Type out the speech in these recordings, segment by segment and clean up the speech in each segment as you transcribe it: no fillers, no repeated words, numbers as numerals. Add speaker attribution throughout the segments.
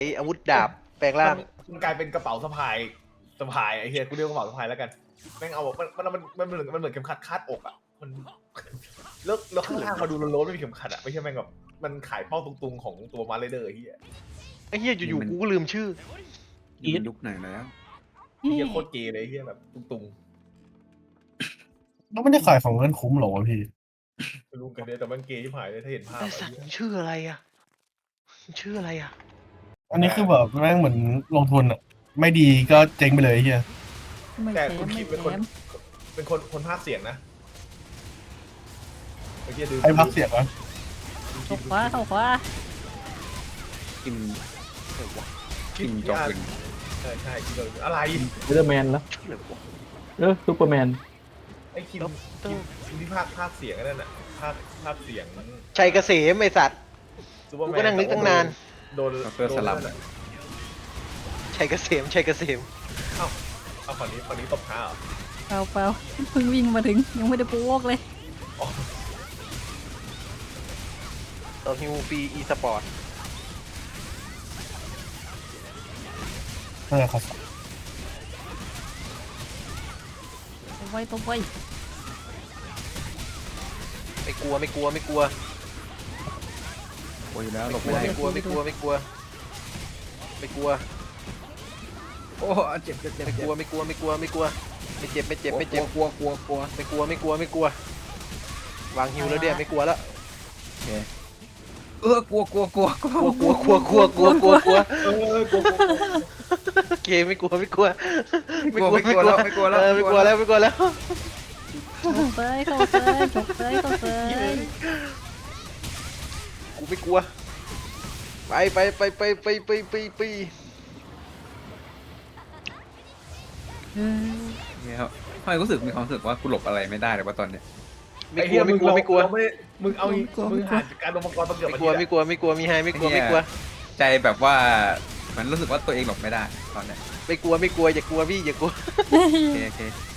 Speaker 1: อาวุธดาบแปลงร่าง
Speaker 2: มันกลายเป็นกระเป๋าสะพายไอ้เฮียกูเรียกกระเป๋าสะพายแล้วกันแม่งเอาแบบมันเหมือนเข็มขัดคาดอกอ่ะมันแล้วข้างล่างมาดูโล้นๆไม่มีเข็มขัดอ่ะไม่ใช่แม่งแบบมันขายเป้าตุงๆของตัวมาร์เรเดอร์ไอ้เฮีย
Speaker 1: ไอ้เหี้ยอยู่ๆกูก็ลืมชื่อ
Speaker 3: นี่มันยุคไหนแล้ว
Speaker 2: ไอ้เฮียโคตรเกย์เลยไอ้เฮียแบบตุง
Speaker 4: แล้วไม่ได้ขายของเงินคุ้มหรอวะพี่
Speaker 2: ๆไม่รู้กันเนี่ยแต่มันเกย์ที่หายเลยถ้าเห็นภาพ
Speaker 1: ไอ้
Speaker 2: ไอ้
Speaker 1: สัตว์
Speaker 2: เฮีย
Speaker 1: มันชื่ออะไรอ่ะมันชื่ออะไรอ่ะ
Speaker 4: อันนี้คือแบบแม่งเหมือนลงทุนอะไม่ดีก็เจ๊งไปเลยไอ้เฮีย
Speaker 5: ไม่
Speaker 2: แต่
Speaker 5: แถ
Speaker 2: คุณ
Speaker 5: ม
Speaker 2: คิ
Speaker 5: ไม่
Speaker 2: ด
Speaker 5: แถ
Speaker 2: เป็น
Speaker 5: ม
Speaker 2: คนภาคเสียงนะไอ้เฮียดู
Speaker 4: ไอ้พักเสียงวะ
Speaker 5: เข้าขวาเข้าขวา
Speaker 3: กิม
Speaker 2: คิด
Speaker 3: จอกเป็น
Speaker 2: ใช่คิดอะไร
Speaker 6: สไปเดอร์แมนแล้ว
Speaker 1: ชื่ออะไรวะ
Speaker 6: ซูเปอร์แมน
Speaker 2: ไอ้คิมที่ภาคเสียงนั่นน่ะภาคเสียง
Speaker 1: ชัยเกษมไอ้สัตว์
Speaker 2: ซูเปอร์แม
Speaker 1: กูก็นั่งนึกตั้งนาน
Speaker 2: โดน
Speaker 3: ดรสลับ
Speaker 2: โดน
Speaker 1: ชัยเกษมชัยเกษม
Speaker 2: เอาฝั่งนี้ตบเท้าเหรอ
Speaker 5: เปล่าเปล่าเพิ่งวิ่งมาถึงยังไม่ได้ปูวอกเลย
Speaker 2: อ๋อ
Speaker 1: ต่อฮิวปีอีสปอร์ต
Speaker 4: นั่นแหละครับ
Speaker 5: ตบไว้ตบไว้
Speaker 1: ไม่กลัวไม่กลัวไม่กลัว
Speaker 3: โอ้ยแล้วหล
Speaker 1: ไม่
Speaker 3: บ
Speaker 1: กลัว
Speaker 3: ไม่ได้
Speaker 1: ไม่กลัวไม่กลัวไม่กลัวไม่กลัว
Speaker 3: โอ้เจ็บเจ็บเจ็บ
Speaker 1: ไม่กลัวไม่กลัวไม่กลัวไม่กลัวไม่เจ็บไม่เจ็บไม่เจ็บ
Speaker 3: กลัวกลัวกลัว
Speaker 1: ไม่กลัวไม่กลัวไม่กลัววางฮิวแล้วเดี๋ยวไม่กลัวแล้ว
Speaker 3: กลัวกลัวกลัวกลัว
Speaker 1: กลัวกลัวกลัวกลัวกลัวกลัว
Speaker 2: กลัว
Speaker 1: โอเคไม่กลัวไม่กลัว
Speaker 3: ไม่กลัวไม่กลัวแล้วไม่กลัวแล้ว
Speaker 1: ไม่กลัวแล้วไม่กลัวแล้ว
Speaker 5: เข้าเซยเข้าเซยจบเซยเข้าเซย
Speaker 1: กูไม่กลัวไปไปไปไปไปไปไปไป
Speaker 5: เออ
Speaker 3: เนี่ยครับทำไมรู้สึกมีความรู้สึกว่ากูหลบอะไรไม่ได้เลยว่าตอนเนี้ย
Speaker 1: ไม่กลัวไม่กลัวไม่กลัว
Speaker 2: มึงเอามึงหาการลงมังกรตะเกียบ
Speaker 1: ไม่กลัวไม่กลัวไม่กลัวมีไฮไม่กลัวไม่กลัว
Speaker 3: ใจแบบว่ามันรู้สึกว่าตัวเองหลบไม่ได้ตอนเนี้ย
Speaker 1: ไม่กลัวไม่กลัวอย่ากลัวพี่อย่ากลัว
Speaker 3: โอเคโอเค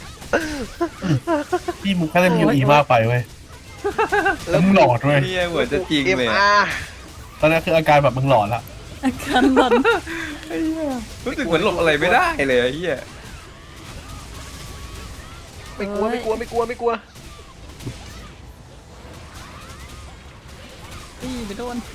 Speaker 4: พี่มึงแค่เล่นยูอีมากไปเว้ยแล้วมึงหลอดเว้ย
Speaker 3: เนี่ยเหมือนจะจริง
Speaker 1: เอ็ม
Speaker 3: เลย
Speaker 1: อาร์
Speaker 4: ตอนนี้คืออาการแบบมึงหลอดละ
Speaker 5: อาการหลอน
Speaker 3: รู้สึกเหมือนหลบอะไรไม่ได้เลยไอ้เหี้ย
Speaker 1: ไม่กลัวไม่กลัวไม่กลัวไม่กลัว
Speaker 5: ตีไปโดน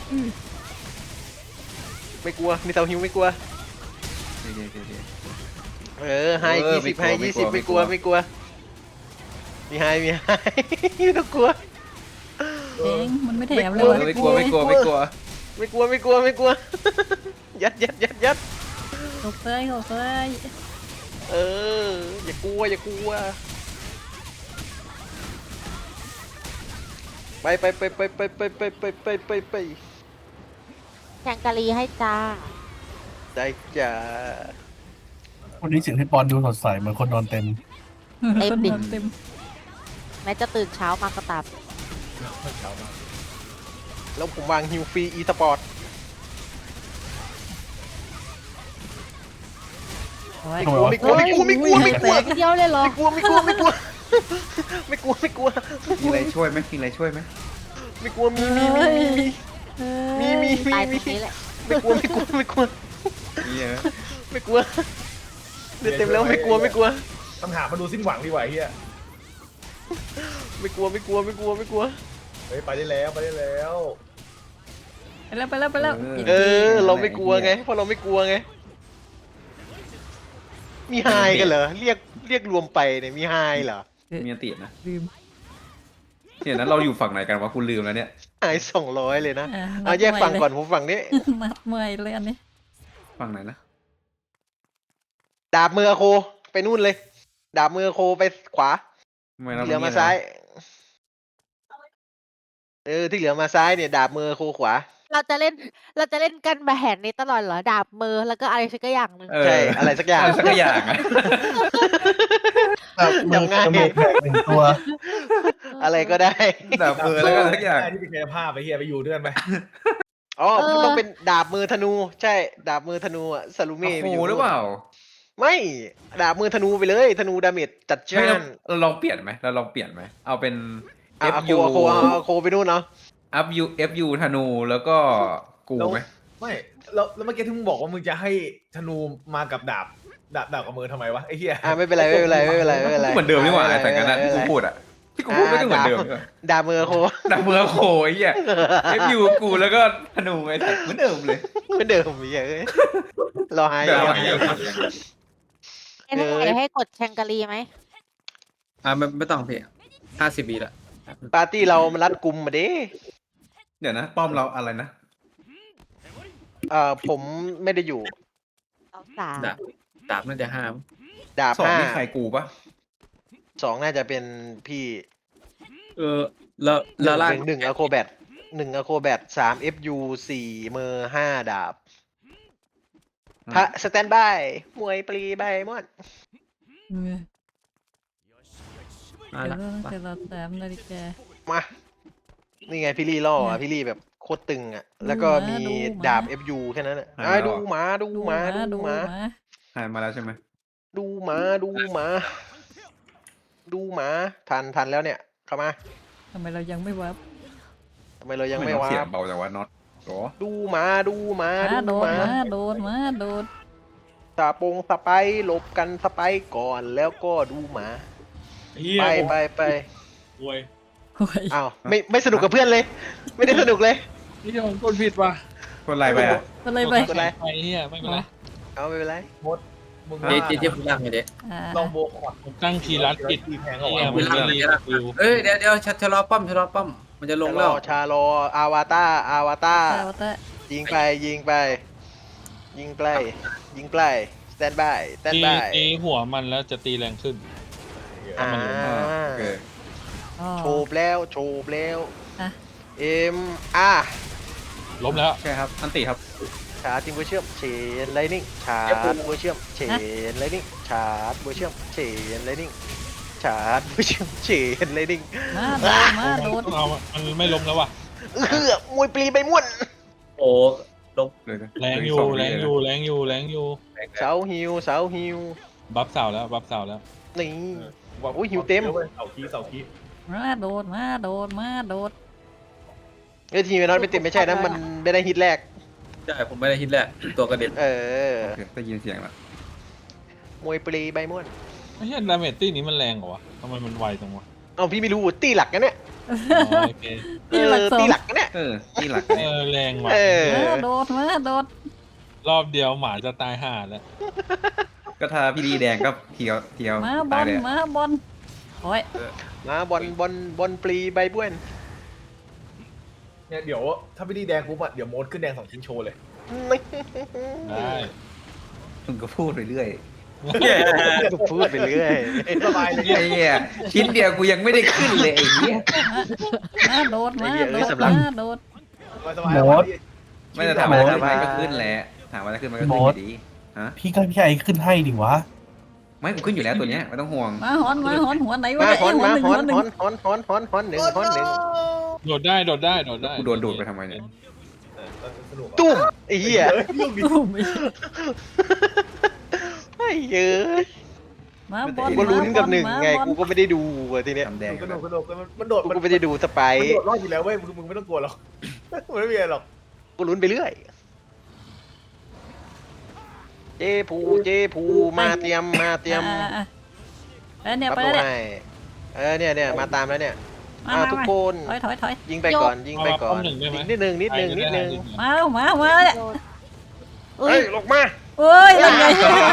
Speaker 1: ไม่กลัวมีเสาหิวไม่กลัว
Speaker 3: โอเคโอเคโอเค
Speaker 1: ไฮ
Speaker 3: ไม่
Speaker 1: 20
Speaker 3: กลั
Speaker 1: ไฮ
Speaker 3: วไม่
Speaker 1: 20
Speaker 3: ก
Speaker 1: ไม่
Speaker 3: ลั
Speaker 1: กลัว
Speaker 3: ว
Speaker 1: ไม่กลัวมีไฮมีไฮไม่ต้องกลัว
Speaker 5: เองมันไม่แถมเล
Speaker 1: กลั
Speaker 5: ยว วะ
Speaker 3: ไม่กลัวไม่กลัวไม่กลัว
Speaker 1: ไม่กลัวไม่กลัวไม่กลัวยัดยัดยัดยัด
Speaker 5: เข้าเซยเข้าเซย
Speaker 1: อย่ากลัวอย่ากลัวไปไปไปไปไปไปไปไปไปไปไป
Speaker 7: แกงกะหรี่ให้จ้า
Speaker 1: ได้จ้า
Speaker 4: วันนี้เสียงพี่ปอนดูสดใสเหมือนคนนอนเต็ม
Speaker 5: คนนอนเต็ม
Speaker 7: แม้จะตื่นเช้ามาก็ตาม
Speaker 1: แล้วผมวางฮิวฟรีอีสปอร์ต
Speaker 5: โอ้ย
Speaker 4: ทำไมวะ
Speaker 1: ไม่กลัวไม่กลัวไม่กลัวไม่กลัว
Speaker 7: เดียวเลยเหรอ
Speaker 1: ไม่กลัวไม่กลัวไม่กลัวไม่กลัวไม่กลัว
Speaker 3: มีอะไรช่วยไหมมีอะไรช่วยไหม
Speaker 1: ไม่กลัวมีมีมีมีมี
Speaker 7: ตายตรงนี้แหละ
Speaker 1: ไม่กลัวไม่กลัวไม่กลัว
Speaker 3: เนี่ย
Speaker 1: ไม่กลัวเดี๋ยวเต็มแล้วไม่กลัวไม่กลัว
Speaker 2: ปัญหามาดูสิ้นหวังดีกว่าเฮีย
Speaker 1: ไม่กลัวไม่กลัวไม่กลัวไม่กลัว
Speaker 2: เฮ้ยไปได้แล้วไปได้แล้ว
Speaker 5: ไปแล้วไปแล้วไปแล้ว
Speaker 1: เราไม่กลัวไงเพราะเราไม่กลัวไงมีไฮกันเหรอเรียกรวมไปเนี่ยมีไฮเหรอ
Speaker 3: มีอันตินะ
Speaker 5: ลืม
Speaker 3: เนี่ยนั้นเราอยู่ฝั่งไหนกันวะกูลืมแล้วเนี่ย
Speaker 1: ไฮ200เลยนะ
Speaker 5: อ่ะ
Speaker 1: เอาแยกฝั่งก่อนผมฝั่งนี้
Speaker 5: นัดเมื่อยเลยอันนี้
Speaker 3: ฝั่งไหนนะ
Speaker 1: ดาบมือโคไปนู่นเลย ดาบมือโคไปขวา
Speaker 3: ทำไมเรา
Speaker 1: ที่เหลือมาซ้ายที่เหลือมาซ้ายเนี่ยดาบมือโคขวา
Speaker 7: เราจะเล่นกันแบบแหนนี้ตลอดเหรอ ดาบมือแล้วก็อะไรสักอย่างหนึ่ง
Speaker 3: เออ
Speaker 1: ใช่อะไรสักอย่าง
Speaker 3: อะไรสักอย่างอะ
Speaker 4: แบบมือ
Speaker 1: จำง่าย
Speaker 4: จมูกแบกหนึ่งตัว
Speaker 1: อะไรก็ได้
Speaker 3: ดาบมือแล้วก็สักอย่าง
Speaker 2: ที่เป็นกายภาพไปเฮียไปอยู่ด้วยกันไป
Speaker 1: อ๋อต้องเป็นดาบมือธนู ใช่ ดาบมือธนูอะซาลูเม่
Speaker 3: โอ้โหหรือเปล่า
Speaker 1: ไม่ดาบมือธนูไปเลย ธนูดาเมจจัด
Speaker 3: เฮ้ย
Speaker 1: จ้าน
Speaker 3: เราลองเปลี่ยนไหมเราลองเปลี่ยนไหมเอาเป็น
Speaker 1: โค
Speaker 3: FU
Speaker 1: โคไปนู่นเนาะ
Speaker 3: FU ธนูแล้วก็กูไหม
Speaker 2: ไม่แล้วเมื่อกี้ที่มึงบอกว่ามึงจะให้ธนูมากับดาบกับมือทำไมวะไอ้เหี้ย
Speaker 1: ไม่เป็นไรไม่เป็นไรไม่เป็นไรไม่เป็นไร
Speaker 3: เหมือนเดิมนี่หว่าแต่กันนะที่กูพูดอะที่กูพูดก็เหมือนเดิม
Speaker 1: ดาบมือโค
Speaker 3: ดักมือโคไอ้เหี้ยเอฟยูกูแล้วก็ธนูไอ้สัตว์เหมือนเดิมเลย
Speaker 1: เหมือนเดิมอีกเอ้ยรอให้
Speaker 3: เดี๋ยวเอาใหม่
Speaker 7: ไอ้ท่านให้กดแชงกาลีไหม
Speaker 8: ไม่ต้องพี่50 วิละ
Speaker 1: ปาร์ตี้เรามันรัดกุมมาดิ
Speaker 3: เดี๋ยวนะป้อมเราอะไรนะ
Speaker 1: ผมไม่ได้อยู่
Speaker 7: เอาสาม
Speaker 8: ดาบน่าจะห้าม
Speaker 1: ดาบ
Speaker 3: สอง
Speaker 1: ห้า
Speaker 3: นี่ใครกูปะ
Speaker 1: 2น่าจะเป็นพี่
Speaker 8: แล้วล่าง
Speaker 1: หนึ่งอะโคแบท1 อะโคแบท3 FU 4 เมอร์5 ดาบพระสแตนบายมวยปรีใบมอน
Speaker 8: มา
Speaker 5: เดี๋ยว
Speaker 8: ละ
Speaker 5: เราจะเราแต้มนาฬิกา
Speaker 1: มา นี่ไงพี่ลี่ล่ออ่ะพี่ลี่แบบโคตรตึงอ่ะ แล้วก็มี
Speaker 5: ดูหมา
Speaker 1: ดาบ FU แค่นั้นอ่ะดูหมาดูหมาดูหมา
Speaker 3: หายมาแล้วใช่ไหม
Speaker 1: ดูหมาดูหมาดูหมาทันแล้วเนี่ย เข้ามา
Speaker 5: ทำไมเรายังไม่วับ
Speaker 1: ทำไมเรายังไม่
Speaker 3: เสียว
Speaker 1: า
Speaker 3: บเบาจังวะน็อตโอ้
Speaker 1: ดูหมาดูหมา
Speaker 5: มา
Speaker 1: ดู
Speaker 5: โด
Speaker 1: ห
Speaker 5: ด
Speaker 1: มา
Speaker 5: มาโดดมาโดด
Speaker 1: สไปหลบกันสไปก่อนแล้วก็ดูหมาไป
Speaker 5: โอ้ย
Speaker 1: อ้าวไม่สนุกกับเพื่อนเลย ไม่ได้สนุกเลย
Speaker 9: นี่เดี๋ยวผมกดผิดว่ะ
Speaker 3: คนไรไปอ่ะ
Speaker 5: อะไรไป
Speaker 1: กดอะไร
Speaker 9: ไปเฮียไม่เป็นไร
Speaker 1: เอาไม่เป็นไร
Speaker 2: มึง
Speaker 8: เจ๊คุณล่างไงเจ๊
Speaker 2: ลองโบคอร์ด
Speaker 9: ผมตั้งคีย์ลัดผิด
Speaker 2: ตีแพง
Speaker 9: เฮี
Speaker 2: เอา
Speaker 9: ย
Speaker 2: ไว้
Speaker 9: มันไม่รีวิว
Speaker 8: เดี๋ยวชะลอป้อมมันจะลงแล้ว
Speaker 1: ชาโลอาวาตา
Speaker 5: แต่ว่าแต่
Speaker 1: ยิงไปยิงไปสแตนบาย
Speaker 9: ตีหัวมันแล้วจะตีแรงขึ้น
Speaker 1: อ่า
Speaker 3: โอเค
Speaker 5: อ๋อ
Speaker 1: โฉบแล้ว
Speaker 5: อ่ะ
Speaker 9: ล้มแล้ว
Speaker 3: ใช่ครับอันติครับ
Speaker 1: ชาร์จจิงเวอร์เชื่อมเชนไลนิ่งชาร์จเวอร์เชื่อมเชนไลนิ่งชาร์จเวอร์เชื่อมเชนไลนิ่งชาร์จเวอร์เชื่อมเชนไลนิ่ง
Speaker 5: มาโดด
Speaker 9: ต้องเอามันไม่ล้มแล้วว่ะ
Speaker 1: มวยปลีใบม่วน
Speaker 8: โอ้ลง
Speaker 3: เลยนะ
Speaker 9: แรงอยู่
Speaker 3: ส
Speaker 9: แรงอยู่
Speaker 3: วิ
Speaker 9: แรงอยู่แรงอยู่
Speaker 1: เสาฮิว
Speaker 9: บัฟเสาแล้วบัฟเสาแล้ว
Speaker 1: นี่ โอ้ยหิวเต็ม
Speaker 2: เสาคี
Speaker 5: มาโดดมาโดดมาโดด
Speaker 1: เอ้ยทีมน็อตไม่เต็มไม่ใช่นะมันไม่ได้ฮิตแรก
Speaker 8: ใช่ผมไม่ได้ฮิตแหละตัวกระเด็น
Speaker 1: เออ
Speaker 3: โอเคได้ยินเสียงแล้ว
Speaker 1: มวยปลีใบม่วน
Speaker 9: ไม่ใช่ดาเมจตี้นี้มันแรงเหรอวะทำไมมันไวจังวะ
Speaker 1: เอาพี่ไม่รู้ตีหลักกันเนี่ย
Speaker 9: อ๋อโอเค
Speaker 5: ตีหลักสอง
Speaker 1: ตีหลักกันเนี่ย
Speaker 3: นี่หลัก
Speaker 9: แรงว่ะ
Speaker 1: เออ
Speaker 5: มาโดดมาโดด
Speaker 9: รอบเดียวหมาจะตายห่าแล้ว
Speaker 3: ก็ถ้าพี่ดีแดงก็เทียว
Speaker 5: มาบ
Speaker 3: ตา
Speaker 5: อย ล
Speaker 3: เลย
Speaker 5: มาบอลโอ้ย
Speaker 1: มาบอลปลีใบบ้วน
Speaker 2: เนี่ยเดี๋ยวถ้าไม่ดีแดงปุ๊บอะเดี๋ยวโมดขึ้นแดง2 ชิ้นโชว์เลย
Speaker 9: ได้
Speaker 3: มึงก็พูดไปเรื่อย
Speaker 1: พูดไปเรื่อย
Speaker 2: สบายเลย
Speaker 3: ไอ้เหี้ยชิ้นเดียวกูยังไม่ได้ขึ้นเลยไอ้เหี้ย
Speaker 5: มาโดดมาโดดมาโดด
Speaker 2: สบาย
Speaker 3: ไม่จะถามว่าจะขึ้นไหมก็ขึ้นแหละถามว่าจะขึ้นมันก็ขึ้นอยู่ดีฮะ
Speaker 4: พี่ก็พี่ไอขึ้นให้ดิวะ
Speaker 3: ไม่กูขึ้นอยู่แล้วตัวเนี้ยไม่ต้องห่วง
Speaker 5: มาหอนหัวไหนวะ
Speaker 1: มา
Speaker 5: เนี่ย
Speaker 1: ฮอน
Speaker 5: หัว
Speaker 1: มา
Speaker 5: หนึ่ง
Speaker 1: ฮ
Speaker 5: หั
Speaker 1: อ
Speaker 5: วน หนึ่ง
Speaker 1: ฮอนหนึ่ง
Speaker 9: โดดได้โดดได้
Speaker 3: กูโดนดูดไปทำไมเนี่ย
Speaker 2: สนุก
Speaker 1: ตุ้มไอ้เหี้ย
Speaker 5: ตุ้ม
Speaker 1: ไอ้เหี้ย
Speaker 5: มาบอล
Speaker 1: กูก็ลุ้นกับหนึ่งไง
Speaker 5: มาบอล
Speaker 1: กูก็ไม่ได้ดูอ่ะทีเนี้ย
Speaker 3: ทำแดง
Speaker 2: ก
Speaker 3: กั
Speaker 2: ระ
Speaker 3: น
Speaker 2: โด
Speaker 3: แล้
Speaker 2: ด
Speaker 3: ว
Speaker 2: กระโดดมันโดด
Speaker 1: กูก็ไม่ได้ดูสไป
Speaker 2: มันโดดรอดอยู่แล้วเว้ยมึงไม่ต้องกลัวหรอกมันไม่มีอะไรหรอก
Speaker 1: กูลุ้นไปเรื่อยเจภูมาเตรียม
Speaker 5: แล้วเนี่ย
Speaker 1: รับ
Speaker 5: ไป
Speaker 1: รู้
Speaker 5: แล้วเนี่ย
Speaker 1: ให้เนี่ยมาตามแล้วเนี่ยทุกคน
Speaker 5: ถอย
Speaker 1: ยิงไปก่อนยิงนิดนึง
Speaker 5: มาเนี่ย
Speaker 1: เฮ้ยลงมา
Speaker 5: โอ้ยยังไง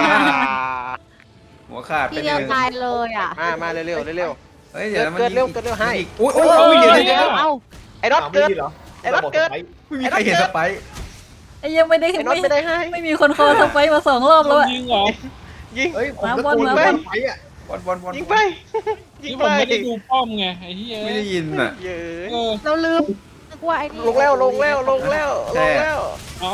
Speaker 3: หัวขาด
Speaker 7: ทีเดียวตายเลยอ่ะ
Speaker 1: มาเร็ว
Speaker 3: เฮ้ยเดี๋ยวมัน
Speaker 1: เกิดเร็วให้
Speaker 3: โอ้ย
Speaker 1: โอ้
Speaker 3: โอ้
Speaker 1: ย
Speaker 3: ย
Speaker 1: เดี๋
Speaker 3: เดี๋
Speaker 1: ย
Speaker 3: ยว ว
Speaker 1: เดี๋ยว
Speaker 7: เอ้า
Speaker 1: ไอ้น็อตเกิด ไอ้น็อตเกิด
Speaker 3: ไม่มีใครเห็นสไปร์
Speaker 5: ไอ้ยังไม่ได้
Speaker 1: ไอ้น็อตไม่ได้ให้
Speaker 5: ไม่มีคนคอสไปมา2 รอบแล้วอะ
Speaker 9: ยิงเหรอ
Speaker 1: ยิง
Speaker 2: เฮ้ยผมตะ
Speaker 5: มาบอล
Speaker 2: โกน
Speaker 5: มา
Speaker 2: ไป
Speaker 5: บอล
Speaker 2: ไปอ่ะ
Speaker 3: บอล
Speaker 1: ยิงไป
Speaker 9: นี่ผมไม่ได้ดูป้อมไงไอ้เหี้ย
Speaker 3: ไม่ได้ยินอ่ะ
Speaker 1: เย้
Speaker 9: เออ
Speaker 7: เราลืมนึกว่าไอ้นี่
Speaker 1: ลงแล้ว
Speaker 9: อ๋อ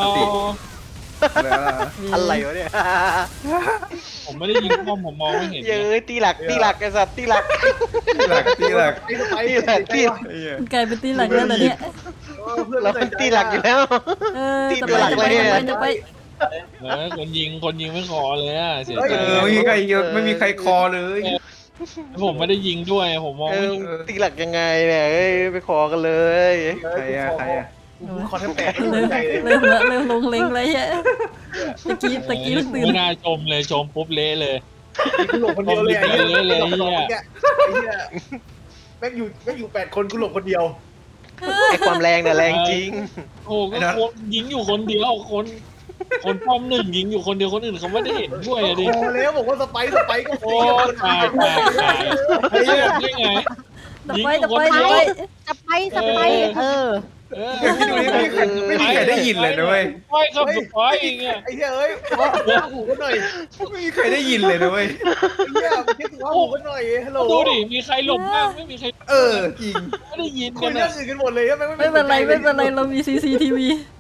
Speaker 1: อะไรวะเนี่ย
Speaker 9: ผมไม่ได้ยิงป้อมผมมองไม่เห็น
Speaker 1: เย้ตีหลักไอ้สัตว์ตีหลัก
Speaker 3: ตีหลัก
Speaker 2: ไอ้สไป
Speaker 1: ตีหลักตี
Speaker 5: กลายเป็นตีหลักแล้วเหรอเนี่ย
Speaker 1: เราตีหลักอยู่แล้ว ตี
Speaker 5: จะ
Speaker 1: ตัวหลัก
Speaker 5: ไป
Speaker 1: เลยเนี่ย
Speaker 5: จะไป
Speaker 9: คนยิงไม่ขอเลยอ่ะเสียใจ
Speaker 3: ไม่มีใครไม่มีใครคอเลย
Speaker 9: ผมไม่ได้ยิงด้วยผมมองไม่เห็น
Speaker 1: ตีหลักยังไงเนี่ยไปขอกันเลย
Speaker 3: ใครอะ
Speaker 2: คอนแทบแตกไม่
Speaker 5: เริ่ม
Speaker 2: ใจเลย
Speaker 5: เริ่มละเริ่มลงเล็งเลยฮะตะกี้เพิ่งตื่น
Speaker 9: ไม่น่าชมเลยชมปุ๊บเละเลย
Speaker 2: กูหลบคนเดียวเลยไอ้เหี้ย
Speaker 9: เลย
Speaker 2: ไอ้
Speaker 9: เหี้ย
Speaker 2: เหี้ยแม่งอยู่8 คนกูหลบคนเดียว
Speaker 1: ไอความแรงเนี่ยแรงจริง
Speaker 9: โอ้ก็คนยิงอยู่คนเดียวคนป้อมหนึ่งยิงอยู่คนเดียวคนอื่นเขาไม่ได้เห็นด้วยอะดิ
Speaker 2: โอ้แล้วบอกว่าสไปก็
Speaker 9: โอ้ตายไอ้เหี้ยได้ไง
Speaker 5: ตะ
Speaker 9: ยิง
Speaker 5: ไป
Speaker 9: อยู่
Speaker 5: ตะ
Speaker 9: คน
Speaker 5: ไป
Speaker 9: เดี
Speaker 5: ตะ
Speaker 9: ยว
Speaker 5: ไป
Speaker 7: จะไปเออ
Speaker 3: พี่ดูนี่ไม่มีใครได้ยินเลยนะเว้ย
Speaker 9: ไปครับสุดท้ายเองอะ
Speaker 2: ไอ้เหี้ยเอ้ยหูกันหน่อย
Speaker 3: ไม่มีใครได้ยินเลยนะเว้ย
Speaker 2: ไอ้เหี้ยคิดถึงว่าหูกันหน่อยฮัลโหล
Speaker 9: ดูดิมีใครหลบบ้างไม่มีใคร
Speaker 3: เออจริง
Speaker 9: ไม่ได้ยิน
Speaker 2: คุ
Speaker 9: กั
Speaker 2: ย
Speaker 9: น
Speaker 2: เรื่อ
Speaker 9: อะ
Speaker 2: งอื่นกันหมดเลยใช่ไหม
Speaker 5: ไม่เป็นไรไม่เป็นไรเรามี CCTV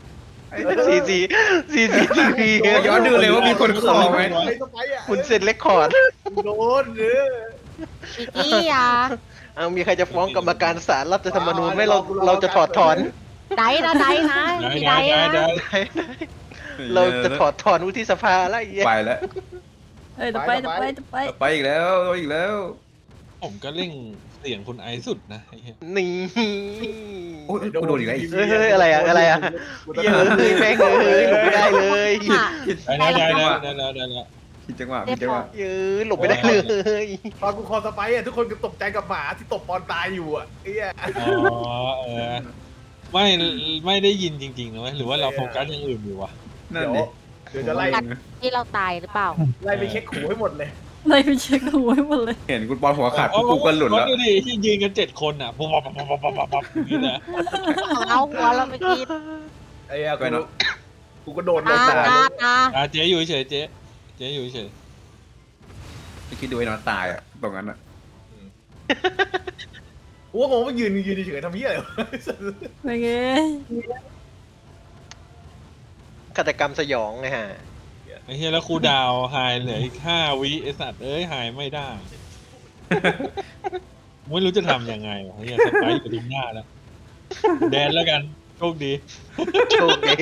Speaker 1: CCTV
Speaker 3: ย้อนดูเลยว่ามีคนคอไหม
Speaker 2: ไอ้สไปอ่ะ
Speaker 1: คุณเซ็นเรคคอร์ด
Speaker 2: โดน
Speaker 7: อีกี้อ่ะ
Speaker 1: เอามีใครจะฟ้องกรรมการศาลรัฐธรรมนูญไหมเราจะถอดถอน
Speaker 7: ได้นะมีได้นะ
Speaker 1: เราจะถอดถอนวุฒิสภาแล้วไอ้เหี้ย
Speaker 3: ไปแล้ว
Speaker 5: เอ้ยตะไปตะไปตะไป
Speaker 3: ไปอีกแล้วอีกแล้ว
Speaker 9: ผมก็เร่งเสียงคุณไอซ์สุดนะไอ้เหี้ย
Speaker 1: นี่
Speaker 3: โอ้ยกูโดนอีกแล้ว
Speaker 1: เฮ้ยอะไรอะเหี้ยแม่งหลบไม่ได้เลย
Speaker 9: ได้แล้ว
Speaker 3: ผิดจังหวะผิดจังหวะ
Speaker 1: หลบไม่ได้เลย
Speaker 2: ตอนกูคอสไปอ่ะทุกคนก็ตกใจกับหมาที่ตบปอนตายอยู่อ่ะไอ้เหี้ย
Speaker 9: อ๋อไม่ได้ยินจริงๆนะเว้ยหรือว่าเราโฟกัสอย่างอื่นอยู่วะ
Speaker 3: นั่นดิ
Speaker 2: เดี๋ยวจะไล่
Speaker 7: ที่เราตายหรือเปล่า
Speaker 2: ไล่ไปเช็คหูให้หมดเลย
Speaker 5: ไล่ไปเช็คดูให้หมดเลย
Speaker 3: เห็นคุณบอลหัวขาดกูก็หลุดแล้ว
Speaker 9: ดูดิที่ยืนกัน7 คนอ่ะปุ๊บอย่างนี้นะ
Speaker 7: เอาหัวเราไปกิน
Speaker 2: ไอ้เหี้ยกูก็โดน
Speaker 7: ตา
Speaker 9: เจ๊อยู่เฉยเจ๊อยู่เฉย
Speaker 3: ไม่คิดดูไอ้นอนตายอ่ะตรงนั้นอ่ะ
Speaker 2: กูก็งงว่ายืนเฉยๆทำเหี้ยอะไร
Speaker 5: ไปไง
Speaker 1: ฆาตกรรมสยองไงฮะ
Speaker 9: ไอ้เหี้ยแล้วครูดาวหายเหลืออีก5 วิไอ้สัตว์เอ้ยหายไม่ได้ไม่รู้จะทำยังไงวะเหี้ยสไปร์อยู่ตรงหน้าแล้วแดนแล้วกันโชคดี
Speaker 1: โชคดี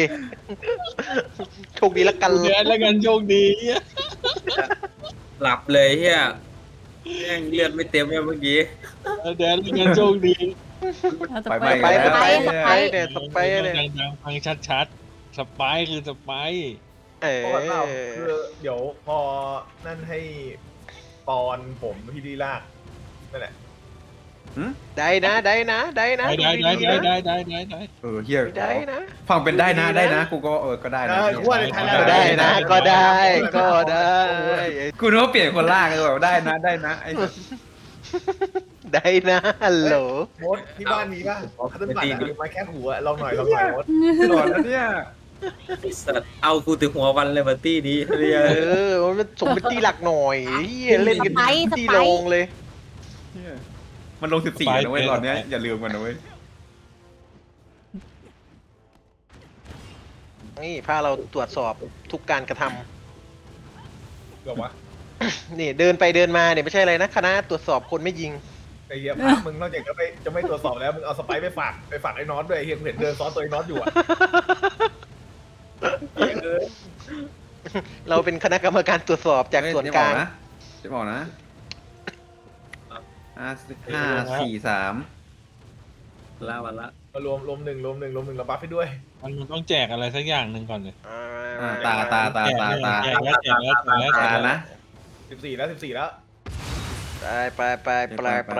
Speaker 1: แล้วกัน
Speaker 9: แดนแล้วกันโชคดี
Speaker 8: หลับเลยเฮียแม่งเลือดไม่เต็มเลยเมื่อกี้
Speaker 9: แดนแล้วกันโชคดี
Speaker 5: ตะ
Speaker 3: ไป
Speaker 5: ไป
Speaker 3: ไป
Speaker 5: ตะ
Speaker 3: ไป
Speaker 5: ไป
Speaker 1: เนี่ยสไปร์เนี่ย
Speaker 9: ดังๆฟังชัดๆสไปร์คือสไปร์
Speaker 2: คือเดี๋ยวพอนั่นให้ปอนผมพี่ดีลากนั่นแหละ
Speaker 1: ได้นะ
Speaker 9: ได้
Speaker 3: เออเฮีย
Speaker 1: ได้นะ
Speaker 3: ฟังเป็นได้นะกูก็ก็ได้นะ
Speaker 1: ก็ได้นะก็ได้
Speaker 3: กูนึกว่าเปลี่ยนคนล่างเลยแบบได้นะไอ้
Speaker 1: ได้นะฮัลโหล
Speaker 2: มดที่บ้านมีป่ะคัตเติ้ลบัตรมาแค่หัวลองหน่อยมด
Speaker 3: หลอดแล้วเนี่ย
Speaker 8: ไอ้สัตว์เอากูถึงหัววันเลยบัตตี้นี้เรีย
Speaker 1: มันสมเป็นตีหลักหน่อยเล่นกันที่ลงเลย
Speaker 3: มันลง14นะเว้ยหลอดเนี้ยอย่าลืมกันนะเว้ย
Speaker 1: นี่พาเราตรวจสอบทุกการกระท
Speaker 2: เดี๋ยววะ
Speaker 1: ำนี่เดินไปเดินมาเนี่ยไม่ใช่อะไรนะคณะตรวจสอบคนไม่ยิง
Speaker 2: ไอ้เหี้ยพามึงนอกจากจะไม่ตรวจสอบแล้วมึงเอาสไปไปฝากไอ้น็อตด้วยไอ้เหี้ยกูเห็นเดินซ้อนตัวไอ้น็อตอยู่อ่ะ
Speaker 1: เราเป็นคณะกรรมการตรวจสอบจากส่วนกลาง
Speaker 3: จะบอกนะ5 4 3
Speaker 8: ละวันละ
Speaker 2: มารวมหนึ่งเราบัฟให้ด้วย
Speaker 9: มันต้องแจกอะไรสักอย่างหนึ่งก่อนเลย
Speaker 3: ตา
Speaker 9: แจกแล้ว
Speaker 3: นะ
Speaker 2: 14แล้ว
Speaker 1: ไป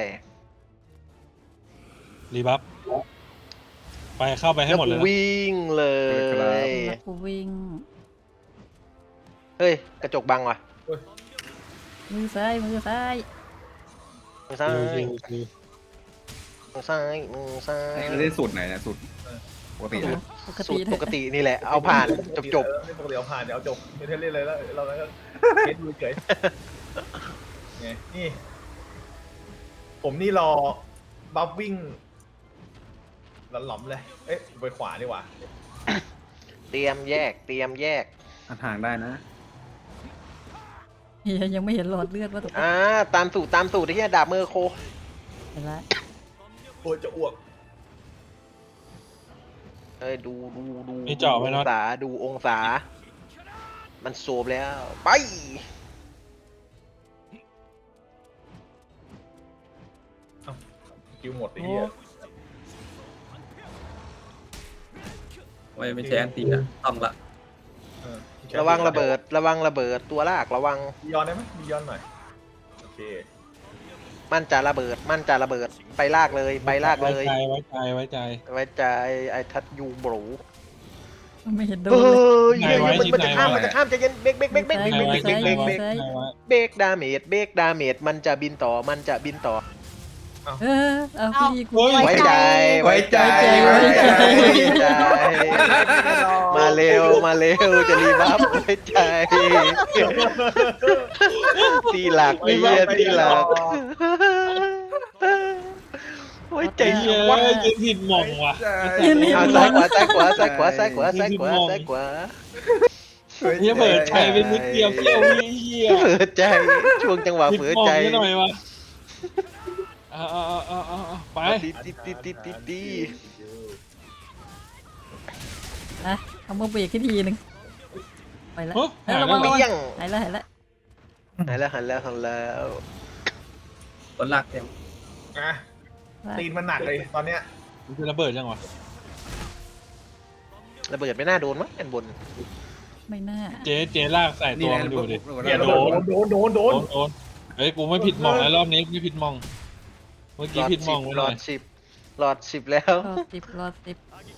Speaker 9: รีบัฟไปเข้าไปให้หมดเลย
Speaker 1: วิ่งเลย
Speaker 5: แล้วกูวิ่ง
Speaker 1: เฮ้ยกระจกบังว่ะ
Speaker 5: มือซ้ายมือซ้าย
Speaker 1: มือซ้ายมือซ้ายมือซ้าย
Speaker 3: เล่นสูตรไหนเนี่ยสูตรปกตินะ
Speaker 5: ปก
Speaker 1: สู
Speaker 5: ติ
Speaker 1: ตรปกตินี่แหละเอาผ่านจบ
Speaker 2: ปกติเอาผ่านเดี๋ยวเอาจบไม่ได้เล่นเลยแล้วเราก็เล่นดูเฉยไงนี่ผมนี่รอบัฟวิ่งหลอมเลยเอ๊ะไปขวาดีกว่า
Speaker 1: เตรียมแยก
Speaker 3: ห่างได้นะ
Speaker 5: เฮียยังไม่เห็นหลอดเลือดว่าตก
Speaker 1: ตามสูตรไอ้เหี้ยดาบมือโค
Speaker 5: เห็นละ
Speaker 2: โอ้ยจะอ้วก
Speaker 1: เอ้ยดู
Speaker 9: มีเจาะไหม
Speaker 1: อง
Speaker 9: เนาะ
Speaker 1: ศาดูองศา มันโซบแล้วไป
Speaker 2: คิวหมดไอ้เหี้ย
Speaker 8: ไม่ใช่อันตีอะต้องละ
Speaker 1: ระวังระเบิดระวังระเบิดตัวลากระวัง
Speaker 2: ย้อนได้ไหมมีย้อนหน่อยโอเค
Speaker 1: มันจะระเบิดมันจะระเบิดไปลากเลยไปลากเลย
Speaker 9: ไว้ใจไว้ใจ
Speaker 1: ไว้ใจไอ้ทัดยูบรู
Speaker 5: ไม่เห็นโด
Speaker 1: เฮ้
Speaker 5: นเลย
Speaker 1: ยมันจะข้ามใจเย็นเบรกเบรกเบรกเบรกเบรกเบรกเบรกเบรกเบรกเบรกเบรกดาเมจเบรกดาเมจมันจะบินต่อมันจะบินต่อ
Speaker 5: เอาพี่กู
Speaker 1: ไว้ใจไว้ใจไว้ใจมาเร็วมาเร็วจะรีบัฟไว้ใจตีหลักไอ้เหี้ยตีหลักไว้ใจ
Speaker 9: เยอะ
Speaker 1: วัด
Speaker 9: ยืนผิดหม่องว่ะ
Speaker 1: เอาซ้ายขวาซ้ายขวาซ้ายขวาซ้ายขวาซ้ายขวาซ้ายขวา
Speaker 9: เฮียเปิดใจเป็นนิดเดียวเที่ยวเฮีย
Speaker 1: เผลอใจช่วงจังหวะ
Speaker 9: ผิด
Speaker 1: เผลอ
Speaker 9: หม่อง
Speaker 1: ใจ
Speaker 9: นิดหน่อยวะเอาไป
Speaker 1: ตี
Speaker 5: เอามือเบรกทีนึงไปแล้ว
Speaker 9: หาย
Speaker 5: ระ
Speaker 9: แล้
Speaker 5: วั
Speaker 9: ว
Speaker 5: งระวัง
Speaker 1: เปี้ยง
Speaker 5: หายแล้ว
Speaker 1: หันแล้วหันแล้ว
Speaker 8: คนหลักเต็ม
Speaker 2: อ่ะตีนมันหนักเลยตอนเนี้ย
Speaker 9: มันจะระเบิดยังวะ
Speaker 1: ระเบิดไม่น่าโดนมั้งอันบน
Speaker 5: ไม่น่า
Speaker 9: เจ๊ลากใส่
Speaker 3: นี่
Speaker 9: ตัว
Speaker 3: แหละ
Speaker 9: มันดูดิ
Speaker 2: เนี่ยโดน
Speaker 9: โดนเฮ้ยกูไม่ผิดหม่องแล้วรอบนี้ไม่ผิดหม่องเมื่อกี้ผิดหม่องไป
Speaker 1: ห
Speaker 9: ห
Speaker 1: ล
Speaker 9: น่
Speaker 1: อ
Speaker 9: อย
Speaker 1: ดสิบแล้ว
Speaker 5: รอติด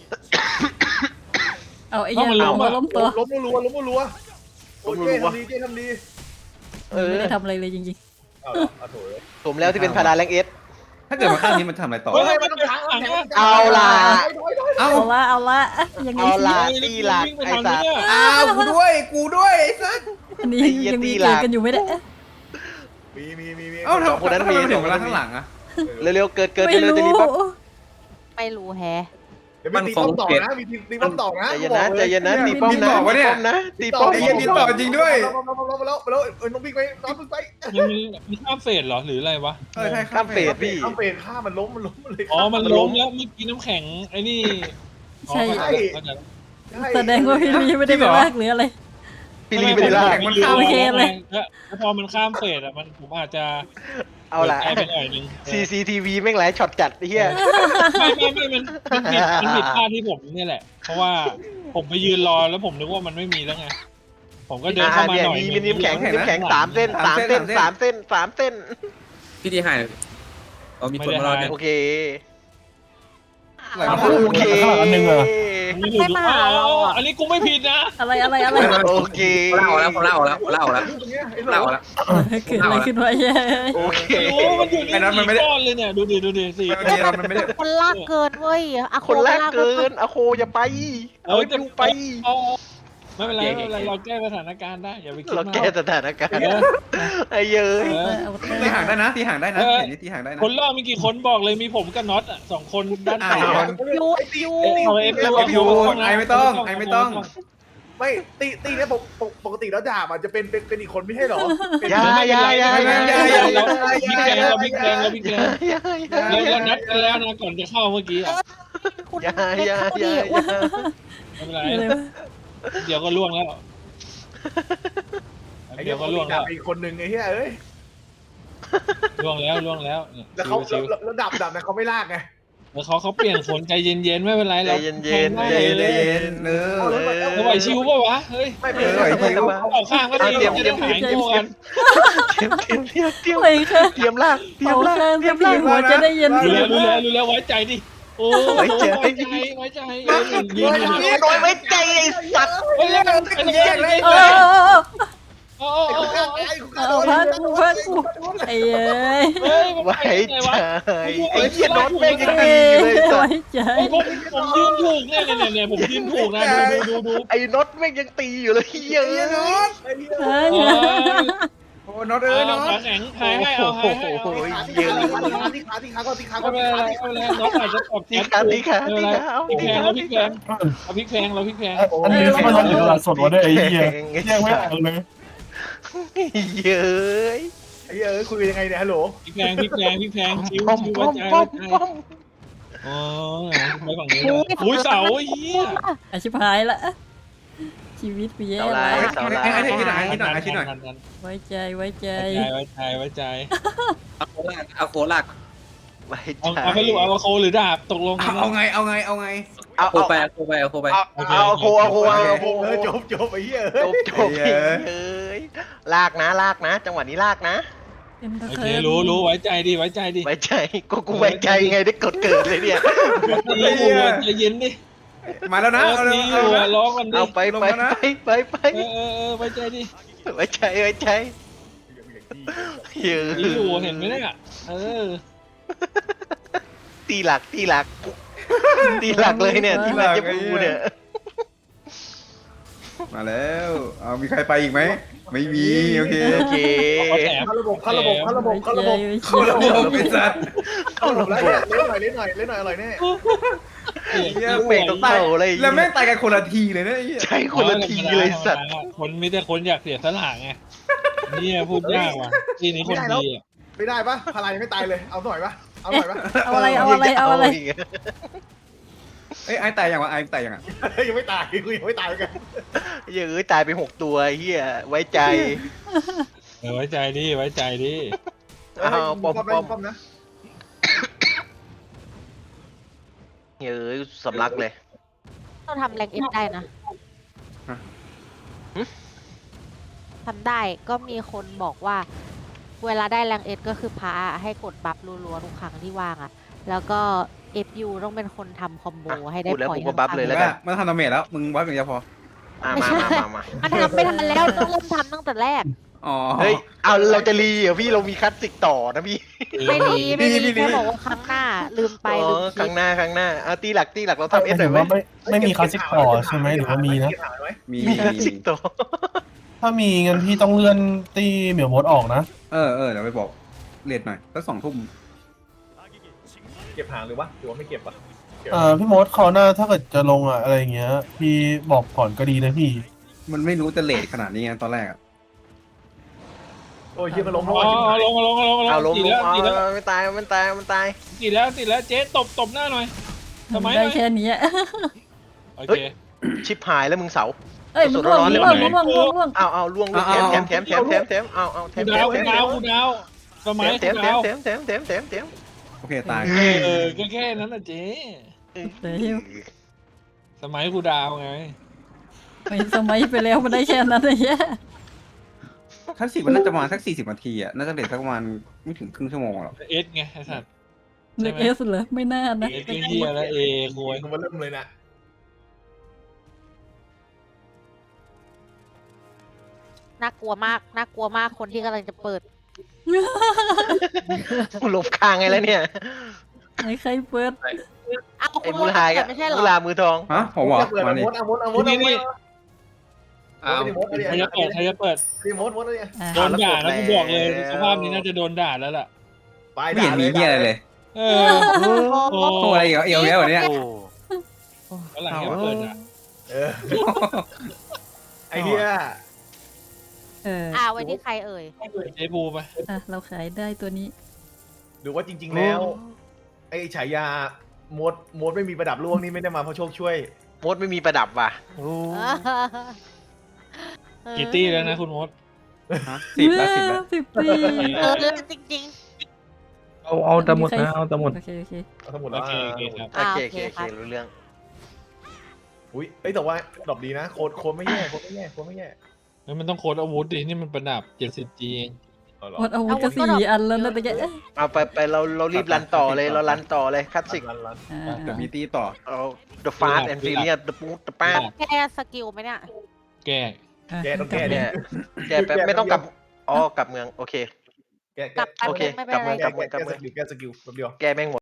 Speaker 5: เอาไอ้เหี้ยล้มตัว
Speaker 2: ล้มรัวโอ้ยเจ๊ทำดี
Speaker 5: ไม่ได้ทำอะไรเลยจริง
Speaker 2: เอาโถย
Speaker 1: สมแล้วที่เป็นพาราแรงเอส
Speaker 3: ถ้าเกิดมาข้างนี้มันทำอะไรต่อ
Speaker 2: เฮ้ยมันต้องขัง
Speaker 1: เอาล่ะ
Speaker 5: ๆเอาละอย่างนี้
Speaker 1: เอาล่ะตีหลักไอ้สัตว์
Speaker 3: อ้าวกูด้วยไอ้สัส
Speaker 5: อันนี้ยังมีเกมกันอยู่ไม่ได้
Speaker 2: มี
Speaker 3: เอ้าทำไมถึงเวลาข้างหลังอะ
Speaker 1: เร็วๆเกิด
Speaker 5: ไม่
Speaker 1: เร็ว
Speaker 5: รู้
Speaker 1: ๆจะรีบปั๊บ
Speaker 7: ไม่รู้แฮะ
Speaker 2: เดี๋ยวมีตีป้อมต่อนะมีตีป้อมต่อนะ
Speaker 1: ใจเย็นนะตีป้อมนะตีป้อม
Speaker 3: ไอ้เหี้ยบินต่อจริงด้วย
Speaker 2: แล้วน้องบิ๊กไปน้องบิ๊กไป
Speaker 9: มันข้ามเฟสเหรอหรืออะไรวะ
Speaker 3: ใช่
Speaker 1: ข้ามเฟสพี่
Speaker 2: ข้ามเฟสฆ่ามันล้มเลย
Speaker 9: อ๋อมันล้มแล้วเมื่อกี้น้ำแข็งไอ้นี่
Speaker 5: ใช่
Speaker 9: เข้าใจแล้ว
Speaker 5: แสดงว่าพี่ลีไม่ได้ไปลากหรืออะไร
Speaker 1: พี่ลีไม่ได้ลาก
Speaker 9: มัน
Speaker 5: โอเคเลย
Speaker 9: แล้วพอมันข้ามเฟสอ่ะมันผมอาจจะ
Speaker 1: เอาล่ะ
Speaker 9: ปิดใจไปหน่อยนึง
Speaker 1: CCTV แม่งหลายช็อตจัดไอ้เหี้ย
Speaker 9: ไม่มันผิดพลาดที่ผมเนี่ยแหละ เพราะว่าผมไปยืนรอแล้วผมนึกว่ามันไม่มีแล้วไงผมก็เดินเข้ามา
Speaker 1: เนี่ย
Speaker 9: หน่อย
Speaker 1: มีน้ำแข็ง3 เส้น3 เส้น
Speaker 8: พี่ดีหายเอามีคนมารอเนี่ย
Speaker 1: โอเค
Speaker 3: ไหลมา
Speaker 1: โอเค
Speaker 4: อันหนึ่งเหรอ
Speaker 9: ไม่ถูกอันนี้กูไม่ผิดนะ
Speaker 5: อะไร
Speaker 1: โอเค
Speaker 8: ผมเล่าแล้ว
Speaker 5: เกิดอะไรขึ้นวะเย้
Speaker 1: โอเค
Speaker 9: โอ้มันอยู่ในสี่ก้อนเลยเนี่ยดูดิสี่
Speaker 3: มันไม่ได้
Speaker 7: คนลากเกินเว้ยอะโ
Speaker 1: คนแรกเกินอะโคอย่าไปเอาดูไป
Speaker 9: ไม่เป็นไรเราแก้สถานการณ์ได้อย่าไปคิด
Speaker 1: เรา
Speaker 9: มาก
Speaker 1: แก้สถานการณ์ไอ้เย้ย
Speaker 3: ตีห่างได้นะตีห่างได้นะเห็นนี่ตีห่างได้นะ
Speaker 9: คนรอบมีกี่คนบอกเลยมีผมกับน็อตอ่ะ2 คนด้านขวา
Speaker 7: ยู
Speaker 9: เอาเอฟ
Speaker 3: ยูไอไม่ต้อง
Speaker 2: ไม่ตีเนี่ยปกติแล้วดาบมันจะเป็นอีกคนไม่ใช่หรอ
Speaker 1: อย่า
Speaker 9: บิ๊กแดงแล้วนัดกันแล้วนะก่อนจะเข้าเมื่อกี้อ่ะ
Speaker 1: อย่า
Speaker 9: ไม่เป็นไรเดี๋ยวก็ล่วงแล้ว
Speaker 2: ไอ้
Speaker 9: เดี๋
Speaker 2: เดี๋
Speaker 9: ย
Speaker 2: ยว ว
Speaker 9: ก็
Speaker 2: ก็
Speaker 9: ล่
Speaker 2: ล่
Speaker 9: ว
Speaker 2: ว
Speaker 9: ง
Speaker 2: ง
Speaker 9: แล้ว
Speaker 2: อีกคนนึงไอ้เหี้ยเอ้ย
Speaker 9: ล่วงแล้ว
Speaker 2: แล้วเขาแล้วดับนะเขาไม่ลากไง
Speaker 9: แล้วเขาเปลี่ยนคนใจเย็นๆไม่เป็นไร
Speaker 1: ใจ
Speaker 9: เรา
Speaker 1: เย็น
Speaker 9: ไหวชิวป่ะวะเฮ้ย
Speaker 2: ไม่
Speaker 9: ออกข้างก็ดีจะได้หายโง่กัน
Speaker 1: เตรียม
Speaker 5: เลยค่ะ
Speaker 1: ลาก
Speaker 5: เอาข้างพี่หัวจะได้เย็น
Speaker 9: รู้แล้วไว้ใจดิโอ้ไว้ใจยืนอยู่
Speaker 1: โดยไว้ใจไอ้สัตว์
Speaker 9: เฮ้ยแล้ว
Speaker 5: เอาพักกูไอ้เอ้ย
Speaker 1: ไว้ใจไอ้เหี้ยน็อตแม่งยังดีเลยสัต
Speaker 5: ไว้
Speaker 1: ว์
Speaker 5: ใจ
Speaker 9: ผมยืนถูกเนี่ยผมยืนถูกนะดู
Speaker 1: ไอ้น็อตแม่งยังตีอยู่เลยเหี้ย
Speaker 3: โอ้น็อตน็อต
Speaker 9: ขาแข็งหายให้เอาหายให้เอา
Speaker 1: โอ้ยเยอะ
Speaker 2: ตีขาก่อน
Speaker 9: ไม่เป็นไรน้องอาจจะตอบ
Speaker 1: ตีขา
Speaker 9: พริกแพงเราพริกแพง
Speaker 4: อันนี้เขามาทำอยู่ตลาดสดวะเนี่ยไอ้เหี้ยแยกไม่ออกเลย
Speaker 1: เยอะ
Speaker 2: ไอ้เหี้ยคุยยังไงเนี่ยฮัลโหล
Speaker 9: พริกแพงชิว
Speaker 1: ป้อม
Speaker 9: อ๋อไปฝั่งนี้อุ้ยเสาเหี้ย
Speaker 5: อาชิพายละชีวิตกูแย่
Speaker 1: เสา
Speaker 5: แล้
Speaker 1: ลายว เสาลาย
Speaker 5: ไว้ใจ
Speaker 9: ไว้ใจ
Speaker 8: เอาโคลาก
Speaker 1: ไว้
Speaker 9: เอา
Speaker 1: ใจ
Speaker 9: เอาไปลูกเอาโคหรือดาบตกลงกัน
Speaker 3: เอาไงเอาไงเอาไง
Speaker 1: เอา
Speaker 8: โคไปโคไปโคไป
Speaker 1: เอาโคเอาโค
Speaker 2: จบไอ้เหี้ย
Speaker 1: จบเอ้ยลากนะจังหวะนี้ลากนะ
Speaker 5: เต็มตะ
Speaker 9: โอ
Speaker 5: เคิ
Speaker 9: เค
Speaker 5: ร์น
Speaker 9: รู้ไว้ใจดิไว้ใจดิ
Speaker 1: ไว้ใจกูไว้ใจไงได้กดเกิดเลยเนี่ย
Speaker 9: ใจเย็นดิ
Speaker 3: มาแล้วนะ
Speaker 9: เออ
Speaker 3: เอาเลย
Speaker 9: มีอ
Speaker 3: เอา
Speaker 9: ยู่
Speaker 3: เลย
Speaker 9: อะร้องกันดิ
Speaker 1: เอาไป
Speaker 9: เออไว้ใจดิ
Speaker 1: ไว้ใจเยอะ
Speaker 9: มีอยู่เห็นไหมเนี่ยเออ
Speaker 1: ตีหลักเลยเนี่ยที่มาจะพูเนี่ย
Speaker 3: มาแล้วเอามีใครไปอีกไหมไม่มีโอเค
Speaker 1: โอเค
Speaker 9: เอาแถม
Speaker 2: เข้าระบบเข้าระบบเข้าระบบเข้าระบบ
Speaker 3: เข้าระบบเป็นสัตว์
Speaker 2: เข้าระบบแล้วเนี่ยเล่นหน่อยอร่อยแน่
Speaker 1: ลูกเมฆต้องเข้าอะไร
Speaker 3: แล้วแม่งตายกันคนละทีเลยนะไอ้เหี้ย
Speaker 1: ใช่คนละทีเลยสัตว์
Speaker 9: คนมีแต่คนอยากเสียสละไงนี่พูดยากว่ะทีนี้คนดีอ่ะ
Speaker 2: ไม่ได้ปะพลายไม่ตายเลยเอาหน่อยปะ
Speaker 5: เอาอะไร
Speaker 3: เอ้ยไอ้ตายยังวะไอ้ตายยังอ่ะ
Speaker 2: ยังไม่ตายกูยังไม่ตายกัน
Speaker 1: เยอะตายไป6 ตัวเฮียไว้ใจ
Speaker 9: ไว้ใจดิไว้ใจดิ
Speaker 1: อ้าวปอม
Speaker 2: นะ
Speaker 1: เยอะสำลักเลย
Speaker 7: เราทำแรงเอฟได้นะทำได้ก็มีคนบอกว่า เวลาได้แรงเอสก็คือพาให้กดบัฟรัวๆทุกครั้งที่ว่างอ่ะ แล้วก็ FU ต้องเป็นคนทำคอมโบให้ได้
Speaker 1: พูดแล้ว
Speaker 7: พอย
Speaker 1: กูก็บัฟเลยแล้วกัน
Speaker 3: มันทำดาเมจแล้วมึงวัดอย่างเดียวพอ
Speaker 1: มา
Speaker 7: มันทำไม่ทันแล้วต้องเริ่มทำตั้งแต่แรก
Speaker 3: อ๋อ
Speaker 1: เฮ้ยเอาเราจะรีเหรอพี่เรามีคัดสิกต่อนะพี่
Speaker 7: ไม่ดีแค่บอกว่าครั้งหน้าลืมไปลืม
Speaker 1: ค
Speaker 7: คิ
Speaker 1: รั้
Speaker 7: ด
Speaker 1: งหน้าเอาตีหลักเราทำเอสหน่
Speaker 4: ถื
Speaker 1: อย
Speaker 4: อ
Speaker 1: ไหม
Speaker 4: ว่าไม่มีคลาสสิกต่อใช่ไหมหรือว่ามีนะ
Speaker 3: มี
Speaker 1: มีคัดสิกต่อ
Speaker 4: ถ้ามีงั้นพี่ต้องเลื่อนตีเหมียวมดออกนะ
Speaker 3: เออเดี๋ยวไปบอกเลทหน่อยสัก2 ทุ่ม
Speaker 2: เก็บหางหรือวะหรือว่าไม่เก็บปะ
Speaker 4: พี่มดคราวหน้าถ้าเกิดจะลงอะไรอย่างเงี้ย พี่บอกก่อนก็ดีนะพี่
Speaker 3: มันไม่รู้จะเลทขนาดนี้ไงตอนแรกอะ
Speaker 2: โอ้ยยิงมันล้ม
Speaker 9: เอาลง
Speaker 1: เอาลง
Speaker 9: ติดแล้วติดแล้ว
Speaker 1: ไม่ตาย
Speaker 9: ติดแล้วเจ๊ตบหน้าหน่อยทำไม
Speaker 5: ได้แค่นี้
Speaker 9: โอเค
Speaker 1: ชิบหายแล้วมึงเสา
Speaker 5: เอ้ยมันร่วงร่วง
Speaker 1: เอาล่วงแถมเอาแถม
Speaker 9: กูดาวสมัย
Speaker 1: แถม
Speaker 3: โอเคตาย
Speaker 9: ก็แค่นั้นนะเจ๊
Speaker 5: เดี๋ยว
Speaker 9: สมัยกูดาวไง
Speaker 5: ไม่สมัยไปแล้วมันได้แค่นั้นเลย
Speaker 3: คลาสสิกมันน่าจะประมาณสัก40 นาทีอ่ะน่าจะเลทสักประมาณไม่ถึงครึ่งชั่วโมงหรอก
Speaker 9: เอสไงไอ้สัตว์
Speaker 5: เล็กเอสเหรอไม่น่านะ
Speaker 9: เอสก็เฮียแล้วเอโวย
Speaker 2: กูมาเริ่มเลยนะ
Speaker 7: น่ากลัวมากคนที่กำลังจะเปิด
Speaker 1: หลบคางไงแล้วเนี่ย
Speaker 5: ไอ้ใครเปิด
Speaker 7: อ้าว
Speaker 1: ไอ้มูลหายกับ
Speaker 7: ไม่ใช่เหรอ
Speaker 1: มูลามือทอง
Speaker 3: ฮะผมเหรอมานี่
Speaker 2: มด
Speaker 9: นี่
Speaker 8: อ้าว
Speaker 9: ใครจะเปิด
Speaker 2: รีโมทเนี่ย
Speaker 9: โดนด่าแล้วกูบอกเลยสภาพนี้น่าจะโดนด่าแล้วล่ะ
Speaker 2: ไป
Speaker 3: ไม่เห็นมีเงี้ยอะไรเลย
Speaker 9: เออโอ้
Speaker 3: โอ้อะไรอีกเอวแล้ววันเนี้ย
Speaker 9: หลังจะเปิดอ่ะ
Speaker 2: ไอ้เหี้ย
Speaker 7: ไว้ที่ใครเอ่ย
Speaker 9: เจ๊บูไป
Speaker 5: เราขายได้ตัวนี้
Speaker 2: หรือว่าจริงๆแล้วไอ้ฉายามดไม่มีประดับล่วงนี่ไม่ได้มาเพราะโชคช่วย
Speaker 1: มดไม่มีประดับว่ะ
Speaker 9: กี่ตี้แล้วนะคุณมด
Speaker 3: ฮะ10 แล้ว
Speaker 5: 10 ปี
Speaker 7: จริง
Speaker 6: เอาแต่หมดนะเอาแต่หมด
Speaker 5: โอเค
Speaker 2: เอาทั้งหมด
Speaker 9: โอ
Speaker 2: แล้ว
Speaker 9: เคครับ
Speaker 1: โอเครู้เรื่อง
Speaker 2: อุ้ยแต่ว่าดรอปดีนะโค้ดไม่แย่
Speaker 9: แล้วมันต้องโค้ดอาวุธดินี่มันประดับ 70G เอง
Speaker 5: หมดอาวุธก็4 อันแล้วนะแต่แก
Speaker 1: เอาไปเรารีบรันต่อเลยคัดสิก
Speaker 3: เดี๋ยวมีตีต่อ
Speaker 1: เอา the fast and furious the smooth the fast
Speaker 7: ๆแก้สกิลไหมเนี่ย
Speaker 9: แก้
Speaker 2: แกต้องแก้
Speaker 1: เนี่
Speaker 2: เนี่ย ย
Speaker 1: แกไม่ต้องกลับกลับเมืองโอเค
Speaker 2: แก
Speaker 7: กลับไป
Speaker 1: โอเค
Speaker 7: ไม่เป็นไร
Speaker 1: กลับเมือง
Speaker 2: แกสกิลแบบเดียว
Speaker 1: แกแม่งหมด